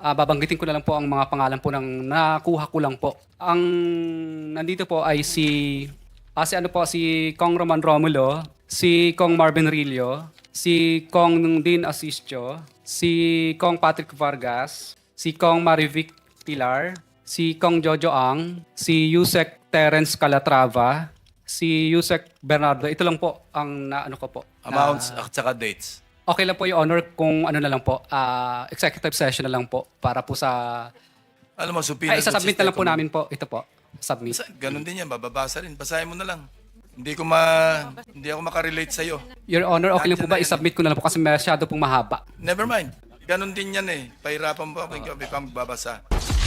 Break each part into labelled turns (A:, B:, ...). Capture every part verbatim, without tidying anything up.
A: Ah, babanggitin ko na lang po ang mga pangalan po ng nakuha ko lang po. Ang nandito po ay si ah, si ano po si Kong Roman Romulo, si Kong Marvin Rillo, si Kong Dean Asistio, si Kong Patrick Vargas, si Kong Marivic Pilar, si Kong Jojo Ang, si Yusek Terence Calatrava, si Yusek Bernardo. Ito lang po ang naano ko po.
B: Amounts
A: na-
B: at saka dates.
A: Okay lang po yung honor kung ano na lang po, ah, executive session na lang po para po sa...
B: Alam mo, supina.
A: Ay, isasubmit na lang po namin po. Ito po, submit.
B: Ganun din yan, bababasa rin. Basahin mo na lang. Hindi ko ma... Hindi ako makarelate sa'yo.
A: Your honor, okay lang po
B: Nandiyan
A: ba
B: na yan.
A: isubmit ko na lang po kasi masyado pong mahaba.
B: Never mind. Ganun din yan eh. Pahirapan mo ako, ikaw ikaw magbabasa.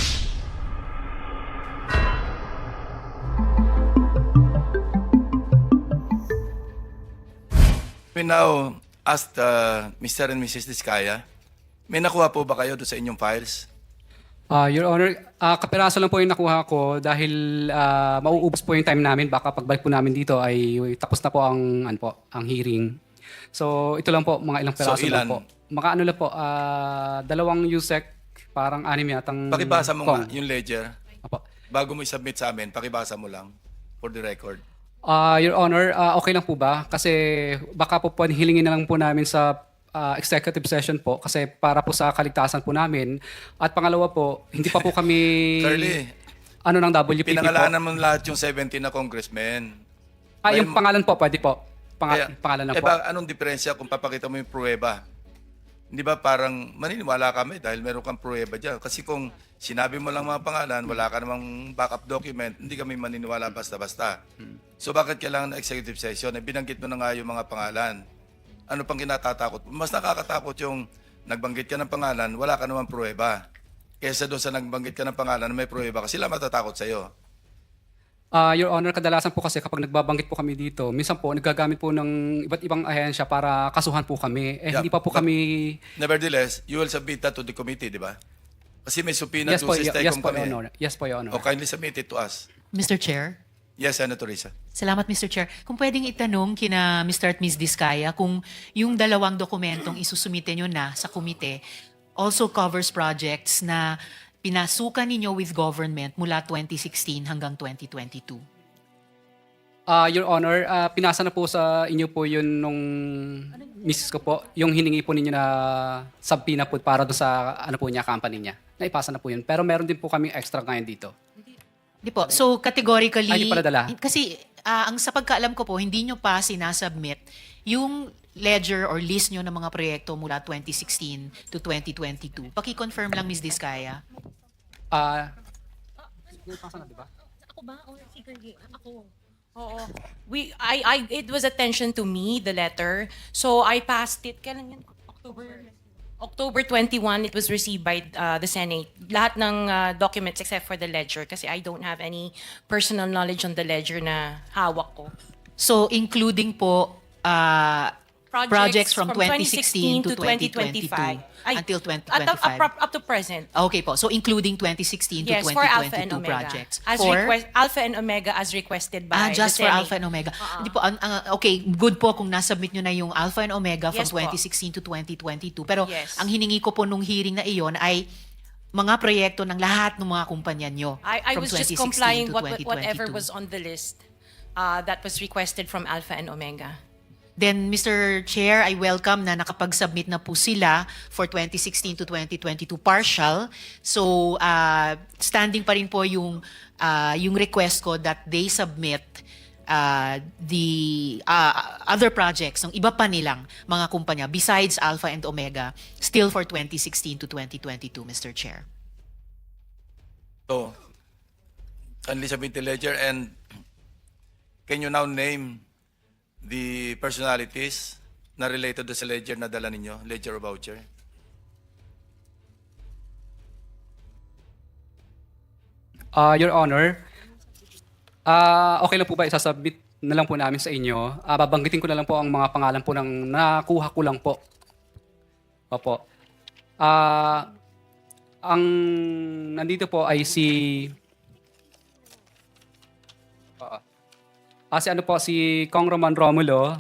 B: We now ask uh, Mister and Missus Diskaya, may nakuha po ba kayo doon sa inyong files?
A: Ah, Your honor, ah, kapiraso lang po yung nakuha ko dahil ah, mauubos po yung time namin. Baka pagbalik po namin dito ay tapos na po ang, ano po, ang hearing. So ito lang po, mga ilang
B: So,
A: piraso lang
B: ilan?
A: po. Mga ano lang po, ah, dalawang U S E C, parang anim yatang...
B: Pakibasa mo
A: Kong.
B: nga yung ledger.
A: Apo.
B: Bago mo i-submit sa amin, pakibasa mo lang for the record.
A: Ah, Your Honor, ah, okay lang po ba? Kasi baka po po hilingin na lang po namin sa ah, executive session po kasi para po sa kaligtasan po namin. At pangalawa po, hindi pa po kami
B: Curly,
A: ano ng W P P po.
B: pinangalanan mo lahat yung seventeen na congressmen.
A: Ah, yung
B: May-
A: pangalan po, pwede po. Panga-
B: Kaya,
A: pangalan lang
B: eh,
A: po.
B: ba, anong diferensya kung papakita mo yung pruweba? Hindi ba parang maniniwala kami dahil meron kang pruweba dyan? Kasi kung sinabi mo lang mga pangalan, wala ka namang backup document, hindi kami maniniwala basta-basta. So bakit kailangan ng executive session? Eh, binanggit mo na nga yung mga pangalan. Ano pang kinatatakot? Mas nakakatakot yung nagbanggit ka ng pangalan, wala ka namang pruweba. Kesa doon sa nagbanggit ka ng pangalan na may pruweba ka, sila matatakot sa'yo.
A: Ah, Your Honor, kadalasan po kasi kapag nagbabanggit po kami dito, minsan po nagagamit po ng iba't ibang ahensya para kasuhan po kami. Eh,
B: Yeah,
A: hindi pa po
B: but-
A: kami...
B: Nevertheless, you will submit that to the committee, di ba? Kasi may subpoena
A: Yes
B: to
A: po,
B: sa
A: y- yes
B: STECOM
A: po, Your
B: kami.
A: Honor. Yes po, Your Honor.
B: O kindly submit it to us.
C: Mister Chair?
B: Yes, Senator Risa.
C: Salamat, Mister Chair. Kung pwedeng itanong kina Mister at Miz Diskaya kung yung dalawang dokumentong isusumite nyo na sa komite also covers projects na pinasukan ninyo with government mula twenty sixteen hanggang twenty twenty-two.
A: Ah, Your Honor, ah, pinasa na po sa inyo po yun nung misis ko po, yung hiningi po ninyo na subpoena po para doon sa ano po niya, company niya. Naipasa na po yun. Pero meron din po kaming extra ngayon dito.
C: Di po. So categorically,
A: Ay, di pala dala.
C: kasi ah, ang sa pagkaalam ko po, hindi nyo pa sinasubmit yung ledger or list nyo ng mga proyekto mula twenty sixteen to twenty twenty-two. Paki-confirm lang, Miz Diskaya.
A: Ah,
D: Ako ba? Or si Curly? Ako. Oo. We, I, I, it was attention to me, the letter. So I passed it. Kailan yun? October. October twenty-first, it was received by uh, the Senate. Lahat ng uh, documents except for the ledger kasi I don't have any personal knowledge on the ledger na hawak ko.
C: So including po ah,
D: Projects,
C: projects from twenty sixteen to twenty twenty-two
D: Ay,
C: until twenty
D: At, up,
C: twenty-five.
D: up, up to present.
C: Okay po. So including twenty sixteen to
D: Yes,
C: twenty
D: for Alpha and
C: twenty-two
D: Omega.
C: projects.
D: As
C: For
D: request, Alpha and Omega as requested by
C: Ah, just
D: the
C: for
D: Senate.
C: Alpha and Omega. Hindi po, ang- ang- okay, good po kung nasubmit nyo na yung Alpha and Omega from
D: Yes po.
C: twenty sixteen to twenty twenty-two. Pero
D: Yes.
C: ang hiningi ko po nung hearing na iyon ay mga proyekto ng lahat ng mga kumpanya nyo
D: I, I
C: from
D: was just
C: twenty sixteen
D: complying
C: to
D: what,
C: twenty
D: whatever
C: twenty-two.
D: was on the list uh, that was requested from Alpha and Omega.
C: Then, Mister Chair, I welcome na nakapag-submit na po sila for twenty sixteen to twenty twenty-two partial. So, uh, standing pa rin po yung, uh, yung request ko that they submit uh, the uh, other projects ng iba pa nilang mga kumpanya besides Alpha and Omega still for twenty sixteen to twenty twenty-two, Mister Chair.
B: So, kindly submit the ledger and can you now name the personalities na related to sa ledger na dala ninyo, ledger or voucher?
A: Ah, Your Honor, ah, okay lang po ba isasubmit na lang po namin sa inyo? Ah, babanggitin ko na lang po ang mga pangalan po ng nakuha ko lang po. Opo. Ah, ang nandito po ay si Ah, ah, si ano po si Kong Roman Romulo,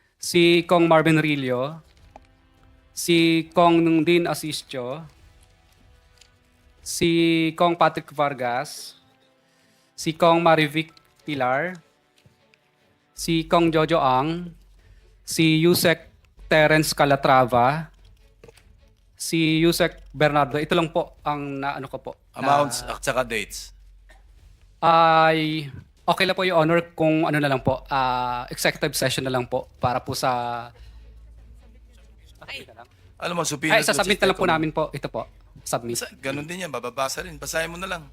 A: si Kong Marvin Rillo, si Kong Dean Asistio, si Kong Patrick Vargas, si Kong Marivic Pilar, si Kong Jojo Ang, si Yusek Terence Calatrava, si Yusek Bernardo. Ito lang po ang naano ko po.
B: Amounts at saka dates.
A: Ay, okay lang po yung honor kung ano na lang po, ah, executive session na lang po para po sa...
B: Alam mo, superior
A: Ay, sasubmit na lang po
B: kung-
A: namin po. Ito po, submit.
B: Basta, ganun din yan, bababasa rin. Basahin mo na lang.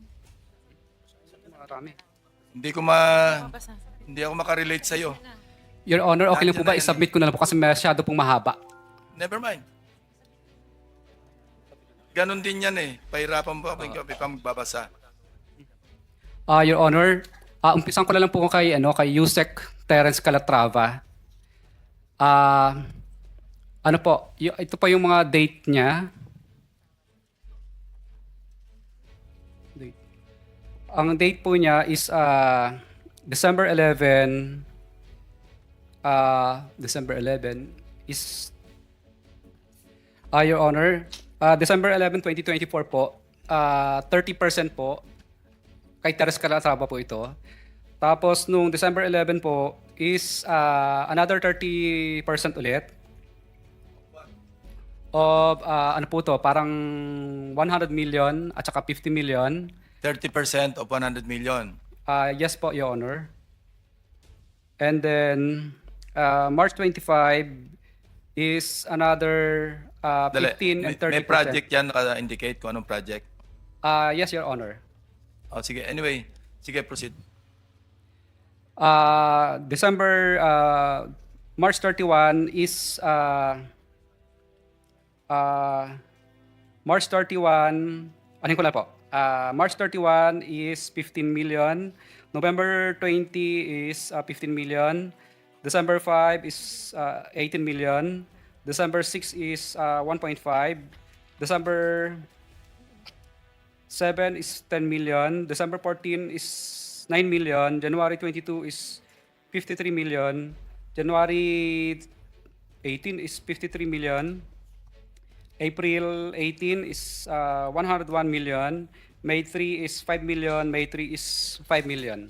A: Marami.
B: Hindi ko ma... Hindi ako makarelate sa'yo.
A: Your Honor, okay lang po ba
B: Nandiyan na yan
A: i-submit ko na lang po kasi masyado pong mahaba.
B: Never mind. Ganun din yan eh. Pahirapan mo ako uh, pa magbabasa.
A: Ah, Your Honor, ah, umpisan ko na lang po kay, ano, kay Yusek Terence Calatrava. Ah, ano po, y- ito pa yung mga date niya. Date. Ang date po niya is ah, December eleventh. Ah, December eleventh is Ah, Your Honor, ah, December eleventh, twenty twenty-four po, ah, thirty percent po, kay Teres Calatrava po ito. Tapos nung December eleventh po is ah, another thirty percent ulit. Of ah, ano po to, parang one hundred million at saka fifty million.
B: thirty percent of one hundred million.
A: Ah, yes po, Your Honor. And then ah, March twenty-fifth is another ah,
B: Dali.
A: fifteen and
B: May-
A: thirty
B: May
A: percent.
B: project yan naka-indicate kung anong project.
A: Ah, yes, Your Honor.
B: Oh, sige, anyway. Sige, proceed.
A: Uh, December, uh, March thirty-first is, uh, uh, March thirty-first, ano ko lang po, uh, March thirty-first is fifteen million, November twentieth is uh, fifteen million, December fifth is uh, eighteen million, December sixth is uh, one point five, December seven is ten million, December fourteenth is nine million, January twenty-second is fifty-three million, January eighteenth is fifty-three million, April eighteenth is uh, one hundred one million, May third is five million, May third is five million.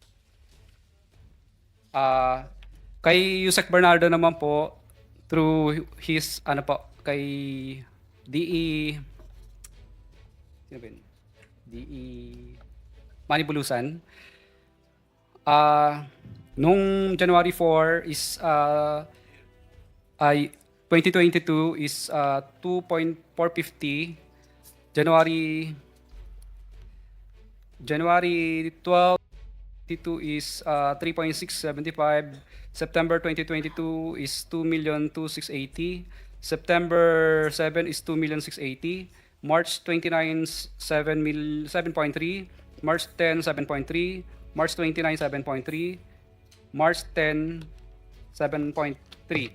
A: Ah, kay Yusek Bernardo naman po, through his, ano po, kay D E, sino ba yun? D E Manibulusan. Ah, nung January fourth is uh, ay twenty twenty-two is uh, two point four five zero. January January twelfth twenty-two is uh, three point six seven five. September twenty twenty-two is two million two thousand six hundred eighty. September seventh is two million six hundred eighty. March twenty-ninth, seven mil, seven point three. March tenth, seven point three. March twenty-ninth, seven point three. March tenth, seven point three.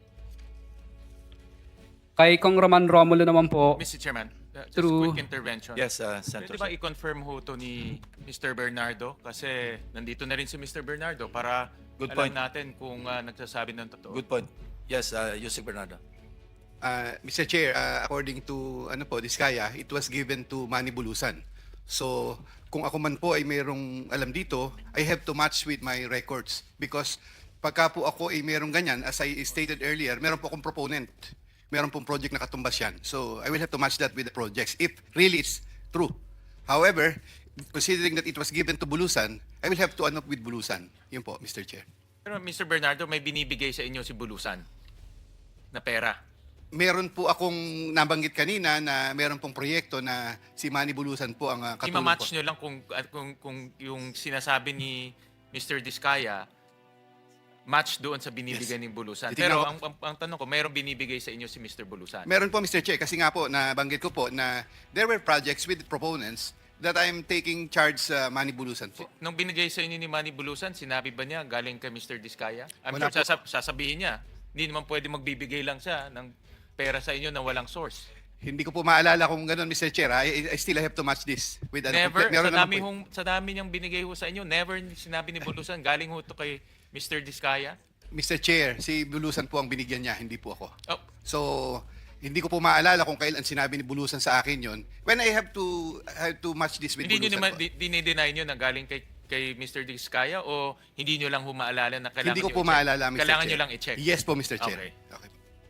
A: Kay Kong Roman Romulo naman po,
E: mister Chairman, uh, just
A: Through-
E: quick intervention.
B: Yes, uh,
E: Pwede
B: Senator.
E: ba i-confirm ho to ni mister Bernardo? Kasi nandito na rin si mister Bernardo para
B: Good
E: alam
B: point.
E: natin kung uh, nagsasabi ng totoo.
B: Good point. Yes, uh, Yusek Bernardo.
F: Uh, mister Chair, uh, according to ano po, Diskaya, it was given to Manny Bulusan. So, kung ako man po ay mayroong alam dito, I have to match with my records because pagka po ako ay mayroong ganyan, as I stated earlier, meron po akong proponent. Meron pong project na katumbas yan. So, I will have to match that with the projects if really it's true. However, considering that it was given to Bulusan, I will have to ano with Bulusan. Yun po, mister Chair.
E: Pero mister Bernardo, may binibigay sa inyo si Bulusan na pera.
F: Meron po akong nabanggit kanina na meron pong proyekto na si Manny Bulusan po ang uh, katulong
E: I-match
F: po.
E: nyo lang kung, at kung, kung yung sinasabi ni mister Diskaya, match doon sa binibigay
F: Yes.
E: ni Bulusan.
F: Titignan
E: Pero
F: ko-
E: ang, ang, ang tanong ko, mayroong binibigay sa inyo si mister Bulusan?
F: Meron po, mister Chair, kasi nga po, nabanggit ko po na there were projects with proponents that I'm taking charge sa Manny Bulusan po.
E: Nung binigay sa inyo ni Manny Bulusan, sinabi ba niya galing kay mister Diskaya? I'm
F: Wala
E: sure
F: po.
E: sasab- sasabihin niya. Hindi naman pwede magbibigay lang siya ng pera sa inyo na walang source.
F: Hindi ko po maalala kung ganun, mister Chair. I, I still have to match this with ano.
E: Never,
F: meron
E: sa
F: naman
E: dami,
F: po.
E: hong, sa dami niyang binigay ho sa inyo, never sinabi ni Bulusan, galing ho to kay mister Diskaya.
F: mister Chair, si Bulusan po ang binigyan niya, hindi po ako.
E: Oh,
F: So, Hindi ko po maalala kung kailan sinabi ni Bulusan sa akin yon. When I have to have to match this with
E: Hindi nyo
F: Bulusan
E: naman,
F: po.
E: di- dinideny nyo na galing kay, kay Mister Diskaya o hindi nyo lang humaalala na kailangan
F: Hindi ko
E: nyo
F: po
E: i-check?
F: maalala, Mister
E: Kailangan
F: Chair.
E: nyo lang i-check?
F: Yes po, Mister Chair.
E: Okay.
F: Okay.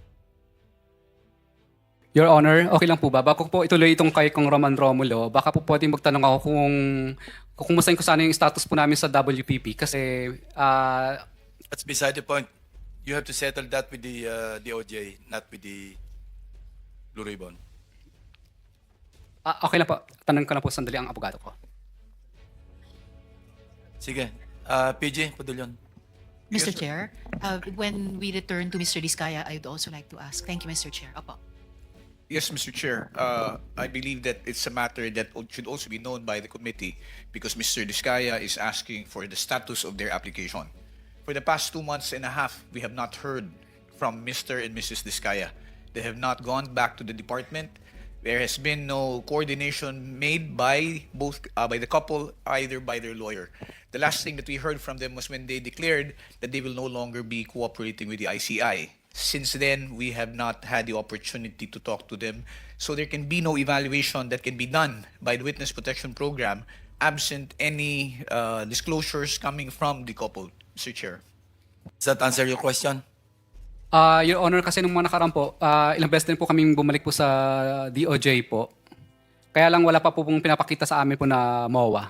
A: Your Honor, okay lang po ba? Bago po ituloy itong kay Kong Roman Romulo, baka po pwedeng magtanong ako kung kung kumustahin ko sana yung status po namin sa W P P kasi ah,
B: That's beside the point. You have to settle that with the uh, D O J, not with the Blue Ribbon.
A: ah, okay lang po. Tanong ko na po sandali ang abogado ko.
B: Sige. Uh, P J, Padulyon.
C: Mister Chair, uh, when we return to Mister Diskaya, I'd also like to ask. Thank you, Mister Chair. Apo.
G: Yes, Mister Chair. Uh, I believe that it's a matter that o- should also be known by the committee because Mister Diskaya is asking for the status of their application. For the past two months and a half, we have not heard from Mister and Missus Diskaya. They have not gone back to the department. There has been no coordination made by both uh, by the couple, either by their lawyer. The last thing that we heard from them was when they declared that they will no longer be cooperating with the I C I. Since then, we have not had the opportunity to talk to them. So there can be no evaluation that can be done by the Witness Protection Program absent any uh, disclosures coming from the couple, Mister Chair.
B: Does that answer your question?
A: Ah, Your Honor, kasi nung mga nakaraan po, ah, ilang beses din po kaming bumalik po sa D O J po. Kaya lang wala pa po pong pinapakita sa amin po na M O A.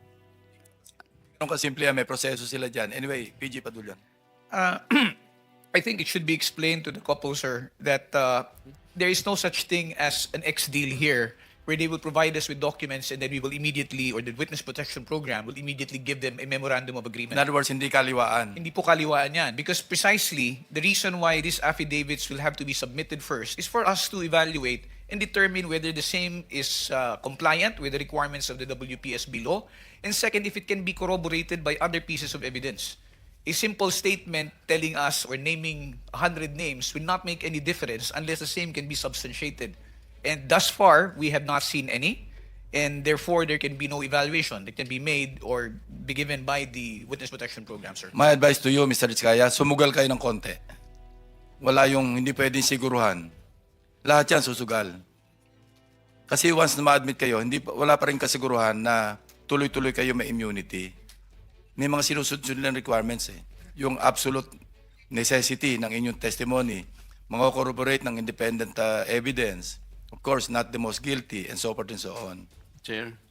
B: Ganun kasimple yan, may proseso sila dyan. Anyway, P J Padulyon.
G: Uh, I think it should be explained to the couple, sir, that uh, there is no such thing as an X deal here where they will provide us with documents and then we will immediately, or the Witness Protection Program will immediately give them a memorandum of
B: In
G: agreement.
B: other words, hindi kaliwaan.
G: Hindi po kaliwaan yan. Because precisely, the reason why these affidavits will have to be submitted first is for us to evaluate and determine whether the same is uh, compliant with the requirements of the W P S B law. And second, if it can be corroborated by other pieces of evidence. A simple statement telling us or naming one hundred names will not make any difference unless the same can be substantiated. And thus far, we have not seen any. And therefore, there can be no evaluation that can be made or be given by the Witness Protection Program, sir.
B: My advice to you, Mister Rizkaya, sumugal kayo ng konti. Wala yung hindi pwedeng siguruhan. Lahat yan susugal. Kasi once na ma-admit kayo, hindi, pa- wala pa rin kasiguruhan na tuloy-tuloy kayo may immunity. May mga sinusunod nilang requirements eh. Yung absolute necessity ng inyong testimony, mga corroborate ng independent uh, evidence, of course, not the most guilty, and so forth and so on.
H: Chair.